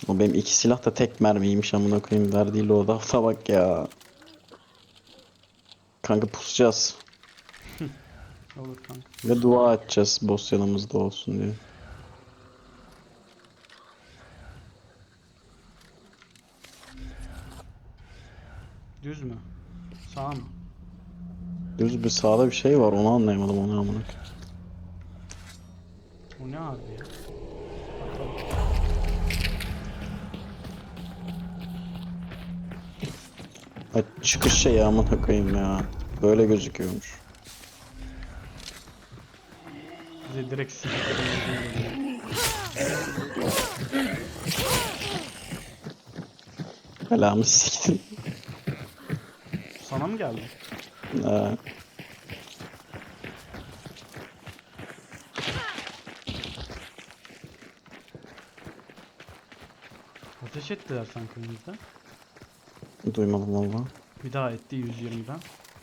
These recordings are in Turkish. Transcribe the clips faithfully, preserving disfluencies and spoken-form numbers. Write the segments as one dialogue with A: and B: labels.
A: O benim iki silah da tek mermiymiş amına koyayım, verdiği loadout'a bak ya. Kanka pusacağız.
B: Olur kanka.
A: Ve dua edeceğiz boss yanımızda olsun diye.
B: Düz mü? Sağ mı?
A: Düz bir sağda bir şey var, onu anlayamadım, onu amına koyayım.
B: O ne abi ya? Bakalım.
A: Ay, çıkış şeyi amına koyayım ya. Böyle gözüküyormuş.
B: Bize direkt siktir.
A: Belamı siktin.
B: Sana mı geldi?
A: Ha,
B: Ateş ettiler sanki önümüzde.
A: duymadım valla.
B: Bir daha etti yüz yirmiden.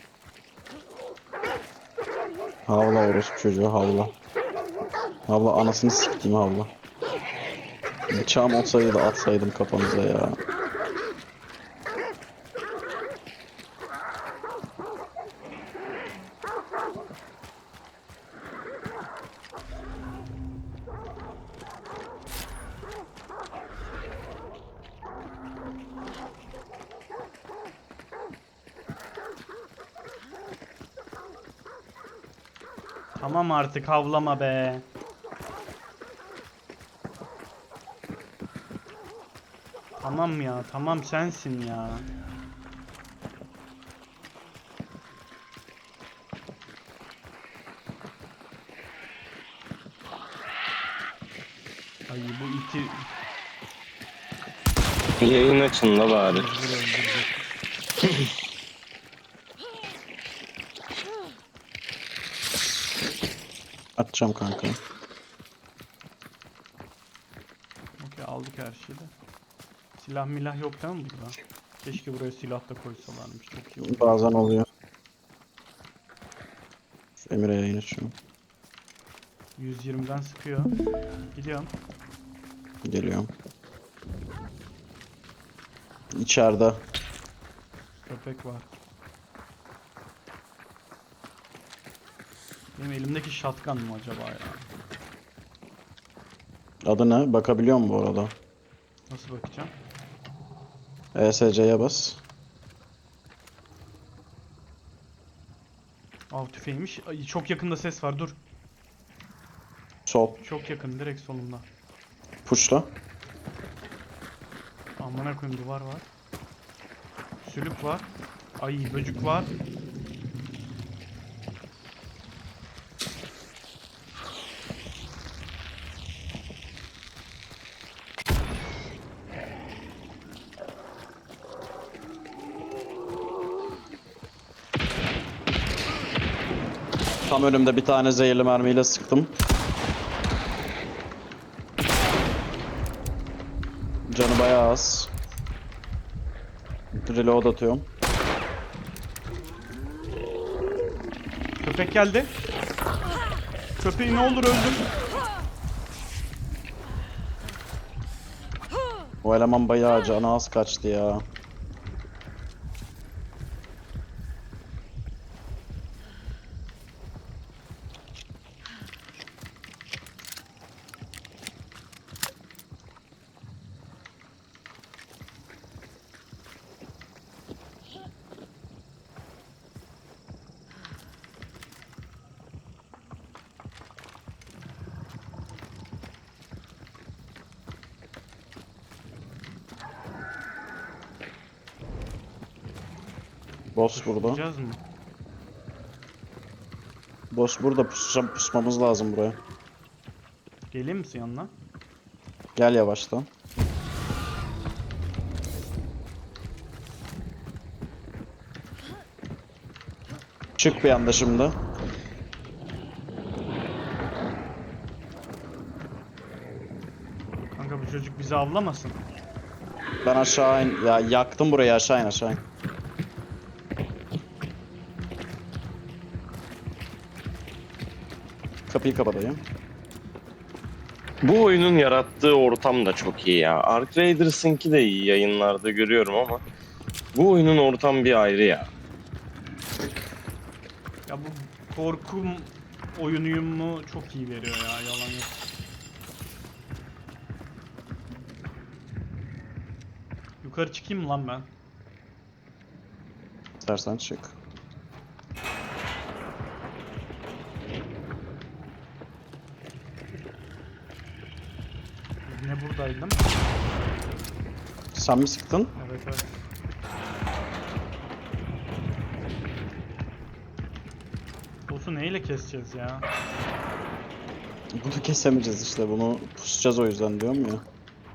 A: Havla orospu çocuğu, havla. Havla anasını siktiğim, havla. Bıçağım olsaydı da atsaydım kafanıza ya.
B: Tamam artık havlama be. Tamam ya, tamam sensin ya. Ay bu iti
C: Yayın açın la bari.
B: mecbur öldürecek.
A: Atacağım kanka.
B: Okey aldık her şeyi de. Silah milah yok değil mi burada? Keşke buraya silah da koysalarmış. Çok iyi olur.
A: Bazen oluyor. Şu Emir'e yayın açıyorum.
B: yüz yirmiden sıkıyor. Gidiyorum.
A: Geliyorum. İçeride.
B: Köpek var. Benim elimdeki shotgun mı acaba ya?
A: Adı ne? Bakabiliyor mu bu arada?
B: Nasıl bakacağım?
A: E S C'ye bas.
B: Av tüfeğiymiş. Ay, çok yakında ses var dur.
A: Sol.
B: Çok yakın direkt solumda.
A: Pushla.
B: Amına koyayım duvar var. Sülük var. Ay böcük var.
A: Tam önümde bir tane zehirli mermiyle sıktım. Canı bayağı az. Reload atıyorum.
B: Köpek geldi. Köpeği ne olur öldür.
A: O eleman bayağı canı az kaçtı ya. Boss burada.
B: Vuracağız mı?
A: Boss burada, pusacağım, pusmamız lazım buraya.
B: Geleyim misin yanına?
A: Gel yavaştan. Çık bir anda şimdi.
B: Kanka bu çocuk bizi avlamasın.
A: Ben aşağı in. Ya yaktım burayı, aşağı in, aşağı in. Kapıyı kapatayım.
C: Bu oyunun yarattığı ortam da çok iyi ya. Ark Raiders'ınki de iyi, yayınlarda görüyorum ama bu oyunun ortamı bir ayrı ya.
B: Ya bu korkum oyunuyum mu çok iyi veriyor ya, yalan yok. Yukarı çıkayım mı lan ben?
A: İstersen çık.
B: Yine buradaydım.
A: Sen mi sıktın?
B: Evet evet. Boss'u neyle keseceğiz ya?
A: Bunu kesemeyeceğiz işte. Bunu pusacağız o yüzden diyorum ya.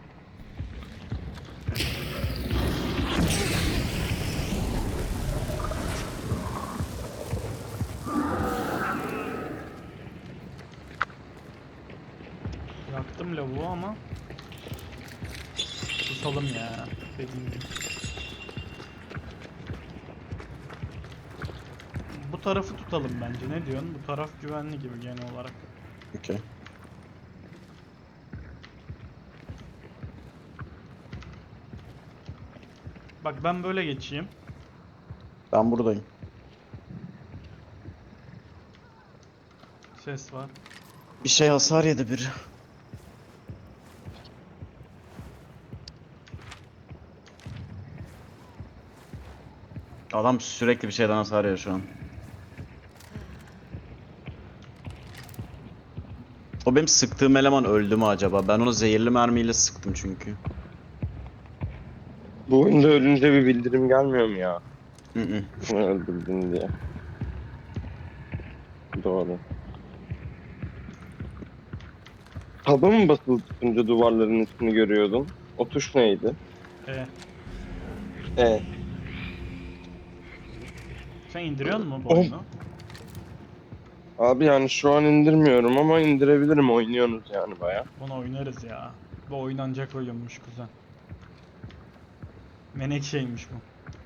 B: Yaktım lavuğu ama tutalım ya, dediğim gibi. Bu tarafı tutalım bence. Ne diyorsun? Bu taraf güvenli gibi genel olarak.
A: Okey.
B: Bak ben böyle geçeyim.
A: Ben buradayım.
B: Ses var.
A: Bir şey hasar yedi biri. Adam sürekli bir şeyden hasar yiyor şu an. O benim sıktığım eleman öldü mü acaba? Ben onu zehirli mermiyle sıktım çünkü.
C: Bu oyunda ölünce bir bildirim gelmiyor mu ya?
A: Hı hı.
C: Öldürdün diye. Doğru. Taba mı basılı tutunca duvarların üstünü görüyordun? O tuş neydi?
B: E,
C: E.
B: sen indiriyor musun bu
C: Oh.
B: oyunu?
C: Abi yani şu an indirmiyorum ama indirebilirim. Oynuyorsunuz yani baya.
B: Bunu oynarız ya. Bu oynanacak oyunmuş kuzen. Menekşeymiş bu.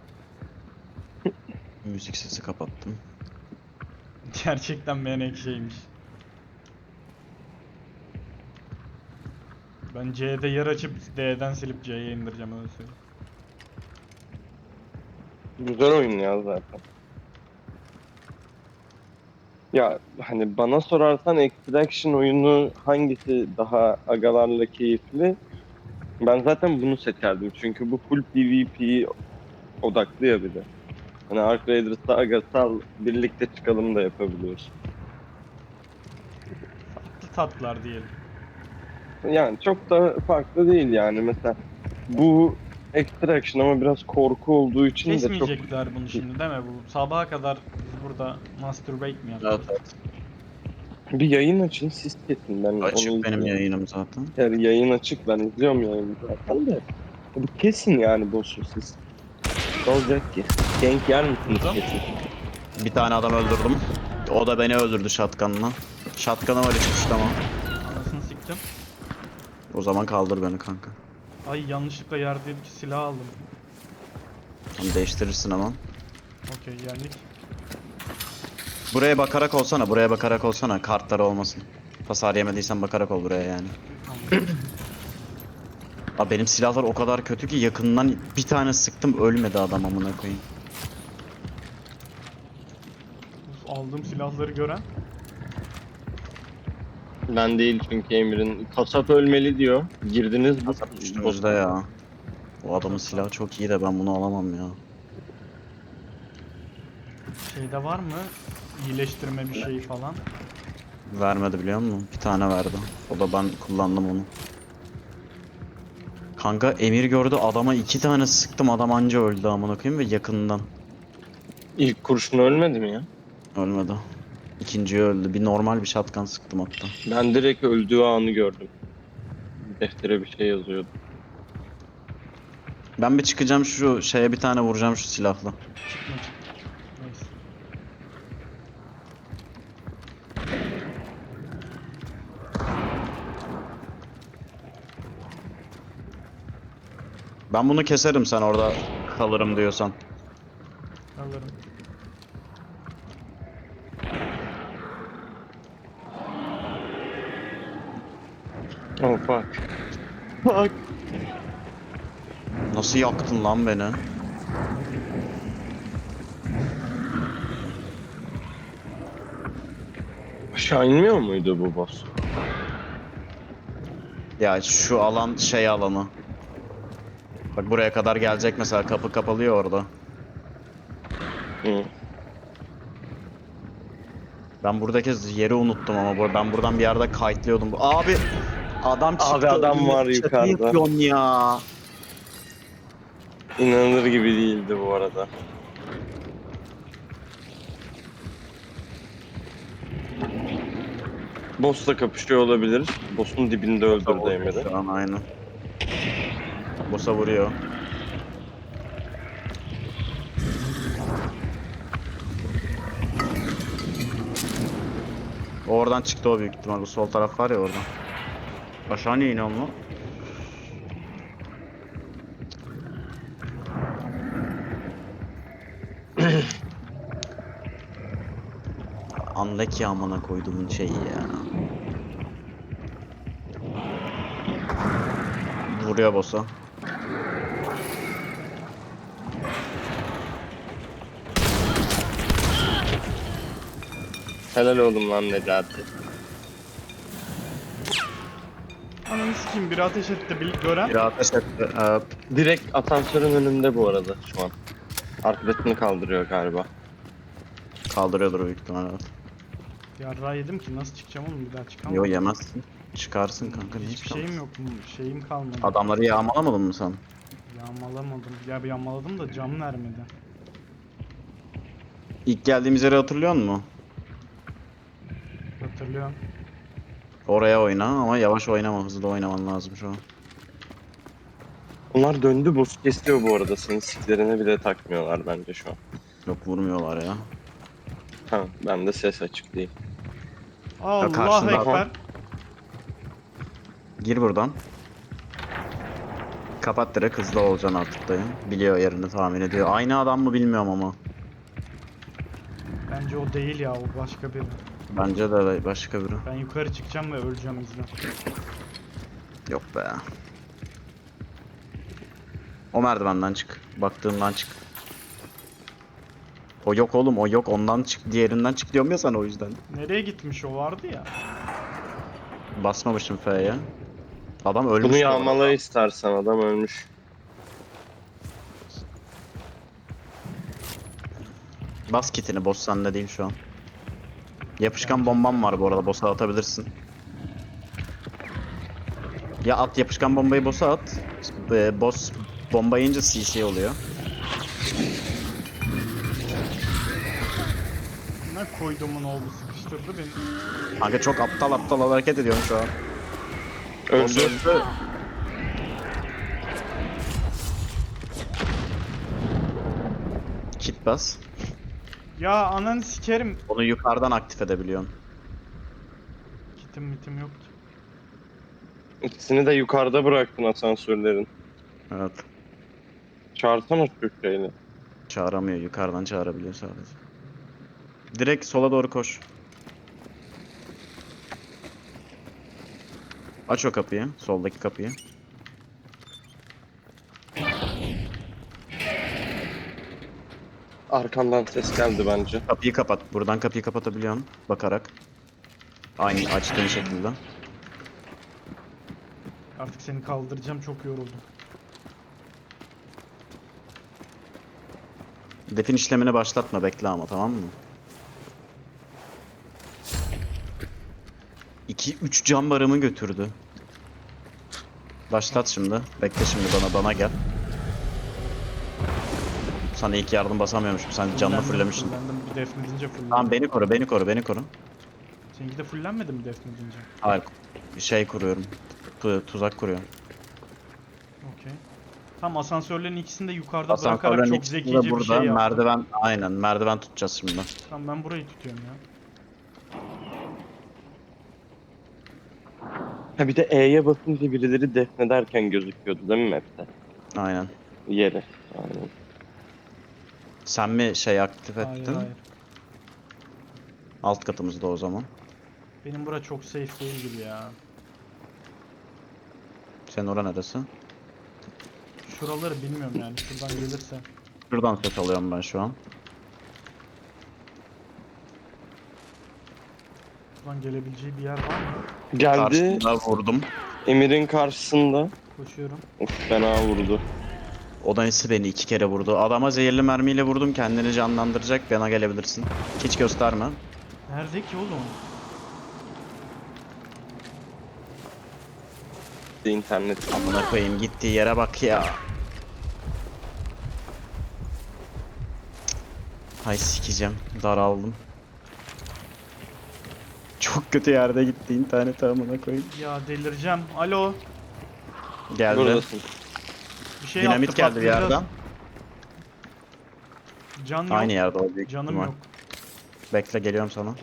A: Müzik sesi kapattım.
B: Gerçekten menekşeymiş. Ben C'de yer açıp D'den silip C'ye indireceğim, öyle söyleyeyim.
C: Güzel oyun ya zaten. Ya hani bana sorarsan Extraction oyunu hangisi daha agalarla keyifli? Ben zaten bunu seçerdim. Çünkü bu full PvP odaklı ya bir de. Hani Ark Raiders'ta agasal birlikte çıkalım da yapabiliyorsun.
B: Farklı tatlar diyelim.
C: Yani çok da farklı değil yani. Mesela bu Extraction ama biraz korku olduğu için de çok...
B: Kesmeyecekler bunu şimdi değil mi? Bu sabaha kadar biz burada masturbate mi
A: Evet,
B: yapacağız?
A: evet.
C: Bir yayın açın siz kesin, ben onu
A: Açık benim
C: izliyorum.
A: yayınım zaten.
C: Yani yayın açık, ben izliyorum yayını zaten de. Bu kesin yani boss'u siz. Ne olacak ki? Gank yer misiniz
B: Burada.
C: kesin?
A: Bir tane adam öldürdüm. O da beni öldürdü shotgun'la. Shotgun'a var hiç tamam.
B: Anasını siktim.
A: O zaman kaldır beni kanka.
B: Ay yanlışlıkla yerdeki silah aldım.
A: Tamam, değiştirirsin hemen.
B: Okey, geldik.
A: Buraya bakarak olsana, buraya bakarak olsana. Kartları olmasın. Hasar yemediysen bakarak ol buraya yani.
B: Tamam.
A: Abi benim silahlar o kadar kötü ki yakından bir tane sıktım ölmedi adam amına koyayım.
B: Aldığım silahları gören.
C: Ben değil çünkü Emir'in kasap ölmeli diyor. Girdiniz bu.
A: Üstümüzde ya. O adamın silahı çok iyi de ben bunu alamam ya.
B: Şeyde var mı? İyileştirme bir şey falan.
A: Vermedi biliyor musun? Bir tane verdi. O da ben kullandım onu. Kanka Emir gördü adama iki tane sıktım adam anca öldü amına koyayım ve yakından.
C: İlk kurşun ölmedi mi ya?
A: Ölmedi. İkinciyi öldü. Bir normal bir shotgun sıktım hatta.
C: Ben direkt öldüğü anı gördüm. Deftere bir şey yazıyordu.
A: Ben bir çıkacağım şu şeye bir tane vuracağım şu silahla.
B: Çıkma çık. Neyse.
A: Ben bunu keserim sen orada kalırım diyorsan.
B: Alırım.
C: Oh fuck. Fuck.
A: Nasıl yaktın lan beni?
C: Aşağı inmiyor muydu bu boss?
A: Ya şu alan şey alanı. Bak buraya kadar gelecek mesela, kapı kapalıyor orada.
C: Hı.
A: Ben buradaki yeri unuttum ama bu- ben buradan bir yerde kayıtlıyordum. Abi adam çıktı.
C: Abi adam var
A: önüme. Şaka
C: yukarıda.
A: yapıyorsun ya.
C: İnanılır gibi değildi bu arada. Boss'la kapışıyor olabilir. Boss'un dibinde öldürdü Emir'i.
A: Şu an aynı. Boss'a vuruyor. O oradan çıktı o büyük ihtimal. Bu sol taraf var ya oradan. Aşağı niye iniyor mu? Unlucky amına koyduğumun şeyi ya. Vuruyor boss'a.
C: Helal oğlum lan Necati.
B: Ananı sikeyim, biri ateş etti. Bir gören.
A: Bir ateş etti. Ee,
C: Direkt asansörün önünde bu arada şu an. Arkadaşını kaldırıyor galiba.
A: kaldırıyordur büyük ihtimal, evet.
B: Yarrağı yedim ki, nasıl çıkacağım oğlum, bir daha çıkamam.
A: Yo, yemezsin. Çıkarsın kanka, niye
B: Hiçbir
A: çıkamazsın?
B: şeyim yok mu? Şeyim kalmadı.
A: Adamları yağmalamadın mı sen?
B: Yağmalamadım. Ya bir yağmaladım da cam vermedi.
A: İlk geldiğimiz yeri hatırlıyor musun?
B: Hatırlıyorum.
A: Oraya oyna ama yavaş oynama, hızlı oynaman lazım şu an.
C: Onlar döndü, boss kesiyor bu arada. Senin siklerine bile takmıyorlar bence şu an.
A: Yok, vurmuyorlar ya.
C: Tamam, ben de ses açık değil.
B: Allah
A: karşında
B: ekber.
C: adam.
A: Gir buradan. Kapat direkt, hızlı olacaksın artık dayı. Biliyor yerini, tahmin ediyor. Aynı adam mı bilmiyorum ama.
B: Bence o değil ya, o başka biri.
A: Bence de başka biri.
B: Ben yukarı çıkacağım ve öleceğim, izle.
A: Yok be. O merdivenden çık. Baktığımdan çık. O yok oğlum, o yok, ondan çık, diğerinden çık diyorum ya sana, o yüzden.
B: Nereye gitmiş, o vardı ya.
A: Basmamışım F'ye. Adam ölmüş.
C: Bunu
A: bu
C: yağmala
A: arada.
C: istersen, adam ölmüş.
A: Bas kitini, boss sende değil şu an. Yapışkan bombam var bu arada, boss'a atabilirsin. Ya at yapışkan bombayı boss'a at. Ee, boss bomba yiyince C C oluyor.
B: Ne koyduğumun oldu, sıkıştırdı beni.
A: Kanka çok aptal aptal hareket ediyorum şu an. Boss
C: Öldü.
A: öldü. Kit bas.
B: Ya ananı sikerim.
A: Onu yukarıdan aktif edebiliyorsun.
B: Kitim mitim yok ki.
C: İkisini de yukarıda bıraktın asansörlerin.
A: Evet.
C: Çağırsana Türkçeyle.
A: Çağıramıyor. Yukarıdan çağırabiliyor sadece. Direkt sola doğru koş. Aç o kapıyı. Soldaki kapıyı.
C: Arkandan ses geldi bence.
A: Kapıyı kapat. Buradan kapıyı kapatabiliyorsun. Bakarak. Aynı açtığın şekilde.
B: Artık seni kaldıracağım, çok yoruldum.
A: Defin işlemini başlatma. Bekle ama, tamam mı? iki üç cam barımı götürdü. Başlat şimdi. Bekle şimdi, bana bana gel. Sana ilk yardım basamıyormuşum. Sen canını
B: Fullendim,
A: fullemişsin.
B: fullendim. Bir defnedince fullendim.
A: Tamam, beni koru, beni koru, beni koru.
B: Seninki de fullenmedi mi defnedince?
A: Hayır. Bir şey kuruyorum. Tu- tuzak kuruyorum.
B: Okey. Tam asansörlerin ikisini de yukarıda bırakarak
A: Asansörlerin
B: çok
A: ikisi de
B: zekice bir
A: burada.
B: şey yaptım.
A: Merdiven, aynen merdiven tutacağız şimdi.
B: Tamam, ben burayı tutuyorum ya.
C: Ha bir de E'ye basınca birileri defnederken gözüküyordu değil mi map'te?
A: Aynen.
C: Yeri. Aynen.
A: Sen mi şey aktif
B: Hayır
A: ettin?
B: hayır.
A: Alt katımızda o zaman.
B: Benim bura çok safe değil gibi ya.
A: Senin ora neresi?
B: Şuraları bilmiyorum yani. Şuradan gelirse.
A: Şuradan ses alıyorum ben şu an.
B: Şuradan gelebileceği bir yer var mı?
C: Geldi.
A: Karşımda vurdum.
C: Emir'in karşısında.
B: Koşuyorum.
C: Of, fena vurdu.
A: O da nesi beni iki kere vurdu. Adama zehirli mermiyle vurdum. Kendini canlandıracak. Bana gelebilirsin. Hiç gösterme.
B: Nerede ki oğlum?
C: İnternet.
A: Amına koyayım gittiği yere bak ya. Hay sikeceğim. Daraldım. Çok kötü yerde gitti internet amına koyayım.
B: Ya delireceğim. Alo.
A: Geldi.
C: Buradasın.
B: Bir şey
A: Dinamit
B: attı,
A: geldi bir
B: patlayacağız.
A: yerden.
B: Can yok.
A: Aynı yerde o büyük
B: Canım
A: ihtimal.
B: yok.
A: Bekle geliyorum sana.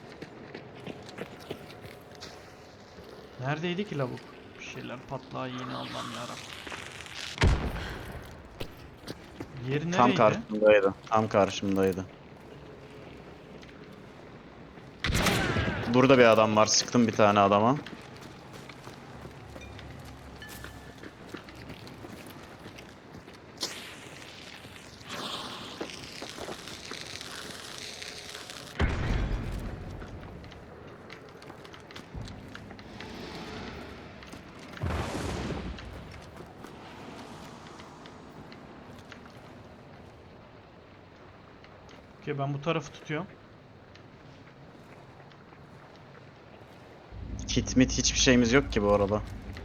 B: Neredeydi ki lavuk? Bir şeyler patlağı yine Allah'ım yarabbim. Yeri
A: Tam
B: nereydi?
A: karşımdaydı. Tam karşımdaydı. Burada bir adam var. Sıktım bir tane adama.
B: Okey, ben bu tarafı tutuyorum.
A: Kit mit hiçbir şeyimiz yok ki bu arada.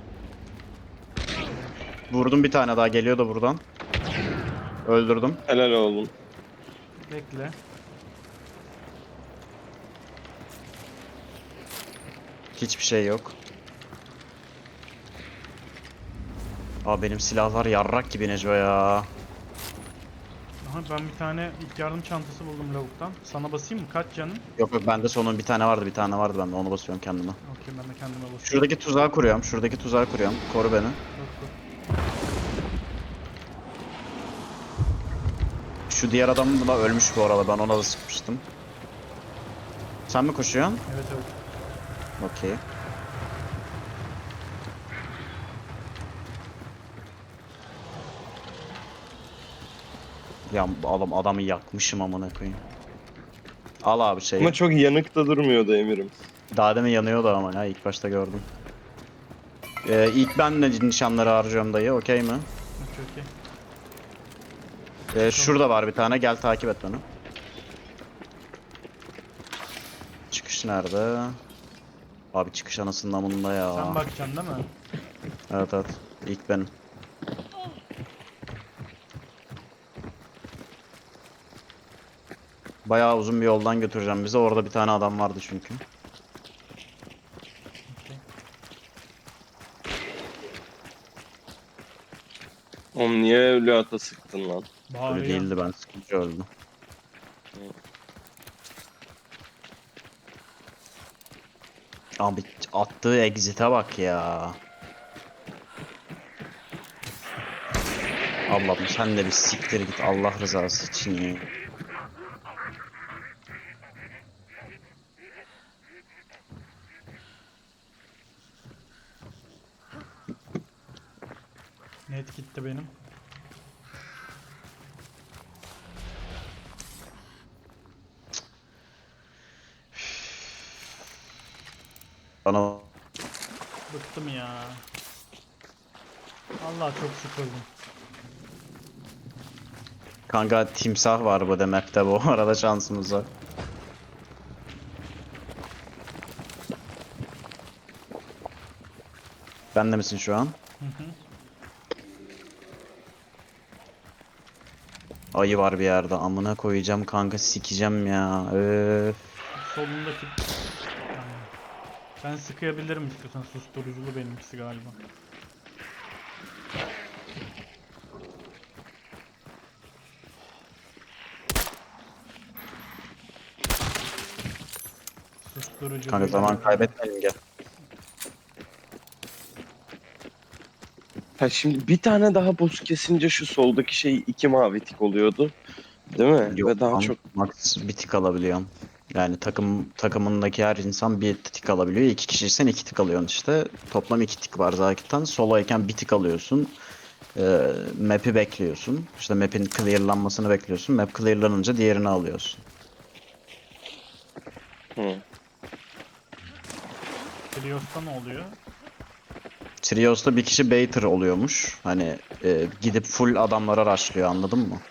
A: Vurdum bir tane daha geliyor da buradan. Öldürdüm.
C: Helal oğlum.
B: Bekle.
A: Hiçbir şey yok. Aa benim silahlar yarrak gibi Neco ya.
B: Aha, ben bir tane ilk yardım çantası buldum lavuktan. Sana basayım mı? Kaç canın?
A: Yok yok bende sonun bir tane vardı bir tane vardı bende onu basıyorum kendime.
B: Okey, ben de kendime basıyorum.
A: Şuradaki tuzağı kuruyorum. Şuradaki tuzağı kuruyorum. Koru beni.
B: Dur, dur.
A: Şu diğer adam da ölmüş bu arada. Ben ona da sıkmıştım. Sen mi koşuyorsun?
B: Evet evet.
A: Okey. Ya adam adamı yakmışım amına koyayım. Al abi şeyi.
C: Ama çok yanık da durmuyordu Emir'im.
A: Daha demin yanıyordu ama ya ilk başta gördüm. Ee, ilk ben de nişanları harcıyorum dayı. Okey mi?
B: Okey okey.
A: Ee, şurada var bir tane. Gel takip et beni. Çıkış nerede? Abi çıkış anasının amında ya.
B: Sen bakacaksın değil mi?
A: Evet evet. İlk benim. Bayağı uzun bir yoldan götüreceğim bizi. Orada bir tane adam vardı çünkü.
B: Okey.
C: Oğlum niye öyle ata sıktın lan?
A: Öyle
B: Bağırıyor.
A: değildi ben sıkınca öldüm. Abi attığı exit'e bak ya. Allah'ım sen de bir siktir git Allah rızası için ya.
B: Net gitti benim.
A: Bana
B: Bıktım ya. Allah çok sıkıldım.
A: kanka timsah var bu demekte bu arada şansımız var. Ben de misin şu an?
B: Hı hı.
A: Ayı var bir yerde amına koyacağım kanka sikeceğim ya. Öf.
B: Solundaki... Aynen. Ben sıkayabilirim istiyorsan, susturuculu benimkisi galiba. Susturucu.
A: Kanka zaman kaybetmeyelim gel.
C: Ha şimdi bir tane daha boss kesince şu soldaki şey iki mavi tik oluyordu. Değil mi?
A: Yok
C: Ve daha
A: lan,
C: çok
A: max bir tık alabiliyorum. Yani takım takımındaki her insan bir tik alabiliyor. İki kişiysen iki tik alıyorsun işte. Toplam iki tik var zaten. Soloyken bir tik alıyorsun. Ee, map'i bekliyorsun. İşte map'in clearlanmasını bekliyorsun. Map clearlanınca diğerini alıyorsun.
C: Hı.
B: Trios'ta ne oluyor?
A: Trios'ta bir kişi baiter oluyormuş. Hani e, gidip full adamlara rushlıyor, anladın mı?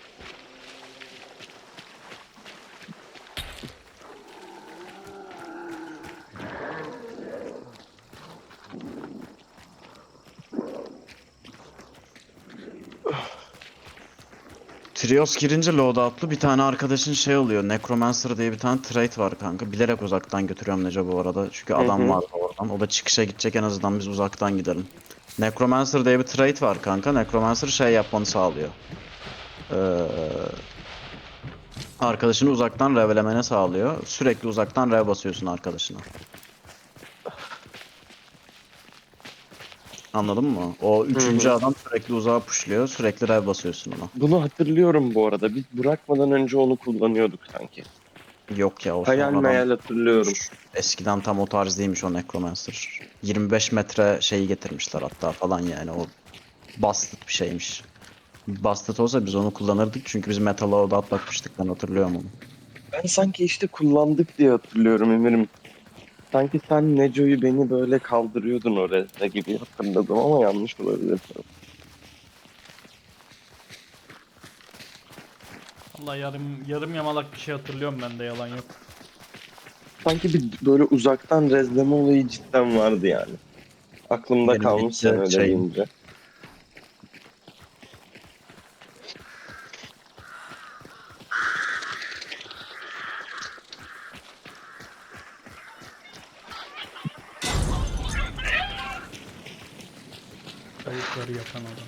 A: Trios girince loadout'lu bir tane arkadaşın şey oluyor. Necromancer diye bir tane trait var kanka. Bilerek uzaktan götürüyorum Neco bu arada. Çünkü
C: Hı
A: adam
C: hı.
A: var oradan. O da çıkışa gidecek, en azından biz uzaktan gidelim. Necromancer diye bir trait var kanka. Necromancer şey yapmanı sağlıyor. Ee, arkadaşını uzaktan revlemene sağlıyor. Sürekli uzaktan rev basıyorsun arkadaşına. Anladın mı? O
C: Hı
A: üçüncü
C: hı.
A: adam sürekli uzağa pushluyor. Sürekli rev basıyorsun ona.
C: Bunu hatırlıyorum bu arada. Biz bırakmadan önce onu kullanıyorduk sanki.
A: Yok ya, o
C: Hayal
A: sonradan
C: meyal hatırlıyorum.
A: eskiden tam o tarz değilmiş o Necromancer. yirmi beş metre şeyi getirmişler hatta falan, yani o busted bir şeymiş. Busted olsa biz onu kullanırdık çünkü biz Metal Lord'a atlatmıştık, ben hatırlıyorum onu.
C: Ben sanki işte kullandık diye hatırlıyorum Emir'im. Sanki sen Neco'yu beni böyle kaldırıyordun oraya gibi hatırladım ama yanlış olabilir.
B: Vallahi yarım yarım yamalak bir şey hatırlıyorum ben de, yalan yok.
C: Sanki bir böyle uzaktan rezleme olayı cidden vardı yani. Aklımda
A: Benim
C: kalmış sen
A: bitti
C: öyle
A: şeyim.
C: deyince.
B: Tavukları yakan adam.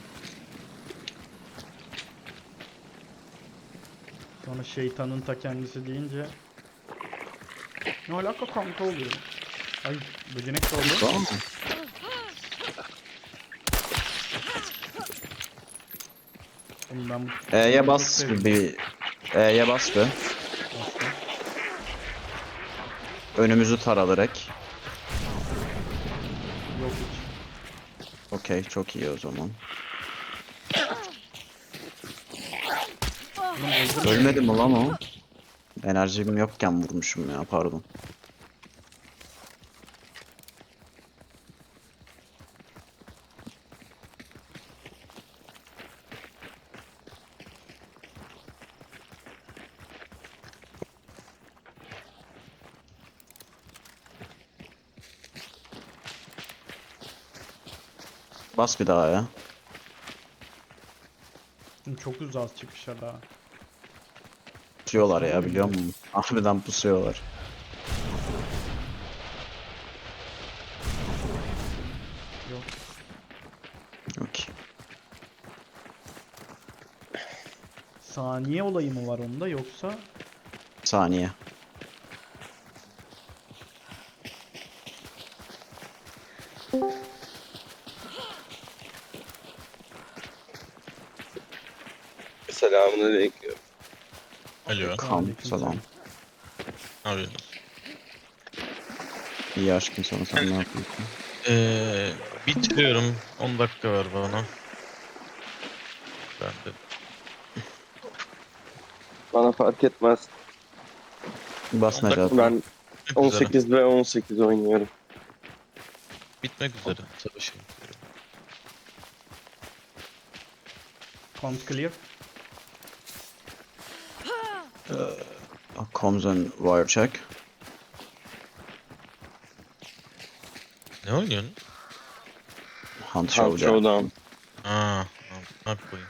B: Sonra şeytanın ta kendisi deyince ne alaka kanka oluyor. Ay, böcenek de oldu.
A: Tamam mı?
B: Oğlum ben bu
A: E'ye
B: çok
A: bas
B: sevdim.
A: bir E'ye bas bir.
B: Bastım.
A: Önümüzü tara direkt.
B: Yok hiç.
A: Okey, çok iyi o zaman.
B: Oğlum öldürme.
A: Ölmedi mi lan o? Enerjim yokken vurmuşum ya, pardon. Bas bir daha ya.
B: Oğlum çok uzağız çıkışa daha.
A: Pusuyorlar ya, biliyor musun? Harbiden pusuyorlar.
B: Yok.
A: Okey.
B: Saniye olayı mı var onda yoksa?
A: Saniye.
C: Selamünaleyküm.
D: Alo.
A: Kam,
B: Aleykümselam.
A: selam.
D: Ne yapıyorsunuz?
A: İyi aşkım, sana sen ne yapıyorsun?
D: Ee, bitiriyorum. on dakika var bana. Ben de.
C: Bana fark etmez.
A: Bas
D: On dakika
A: Necati.
C: Ben
D: Bitmek üzere.
C: on sekiz ve on sekiz oynuyorum.
D: Bitmek üzere. Savaşım.
B: Count clear.
A: Comms and wire check.
D: Ne oynuyorsun?
A: Hunt
C: Hunt
A: Showdown.
C: Showdown.
D: Aa, amına koyayım.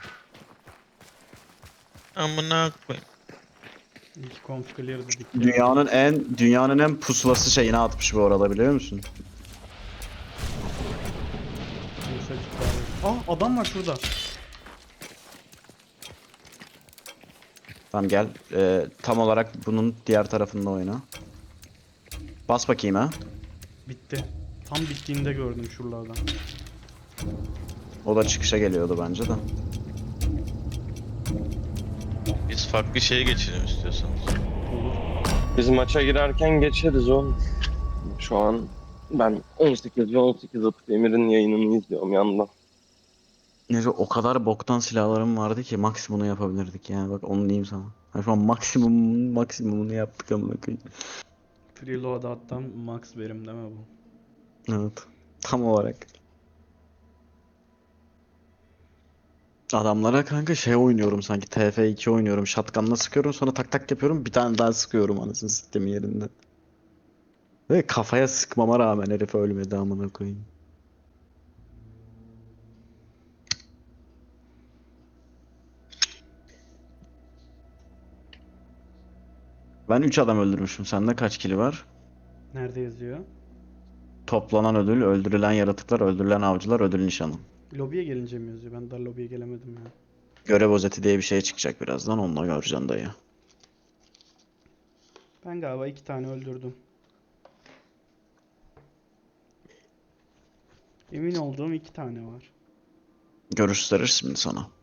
D: Amına koyayım.
B: İlk count clear dedik.
A: Dünyanın en dünyanın en pusulası şeyini atmış bu arada, biliyor musun?
B: Kimse çıkar. Aa, adam var şurada.
A: Tamam gel. Ee, tam olarak bunun diğer tarafında oyna. Bas bakayım ha.
B: Bitti. Tam bittiğinde gördüm şuralardan.
A: O da çıkışa geliyordu bence de.
D: Biz farklı şeye geçelim istiyorsanız.
B: Olur.
C: Biz maça girerken geçeriz oğlum. Şu an ben on sekiz ve on sekiz atıp Emir'in yayınını izliyorum yandan.
A: Neyse o kadar boktan silahlarım vardı ki maksimumunu yapabilirdik yani bak onu diyeyim sana. Yani şu an maksimum maksimumunu yaptık amına koyayım.
B: Preload hatta max verim deme bu.
A: Evet. Tam olarak. Adamlara kanka şey oynuyorum sanki T F iki oynuyorum. Shotgun'la sıkıyorum sonra tak tak yapıyorum bir tane daha sıkıyorum anasını sistemin yerinde. Ve kafaya sıkmama rağmen herif ölmedi amına koyayım. Ben üç adam öldürmüşüm. Sende kaç kili var?
B: Nerede yazıyor?
A: Toplanan ödül, öldürülen yaratıklar, öldürülen avcılar, ödül nişanı.
B: Lobiye gelince mi yazıyor? Ben daha lobiye gelemedim ya.
A: Görev özeti diye bir şey çıkacak birazdan. Onunla göreceksin dayı.
B: Ben galiba iki tane öldürdüm. Emin olduğum iki tane var.
A: Gösterir şimdi sana.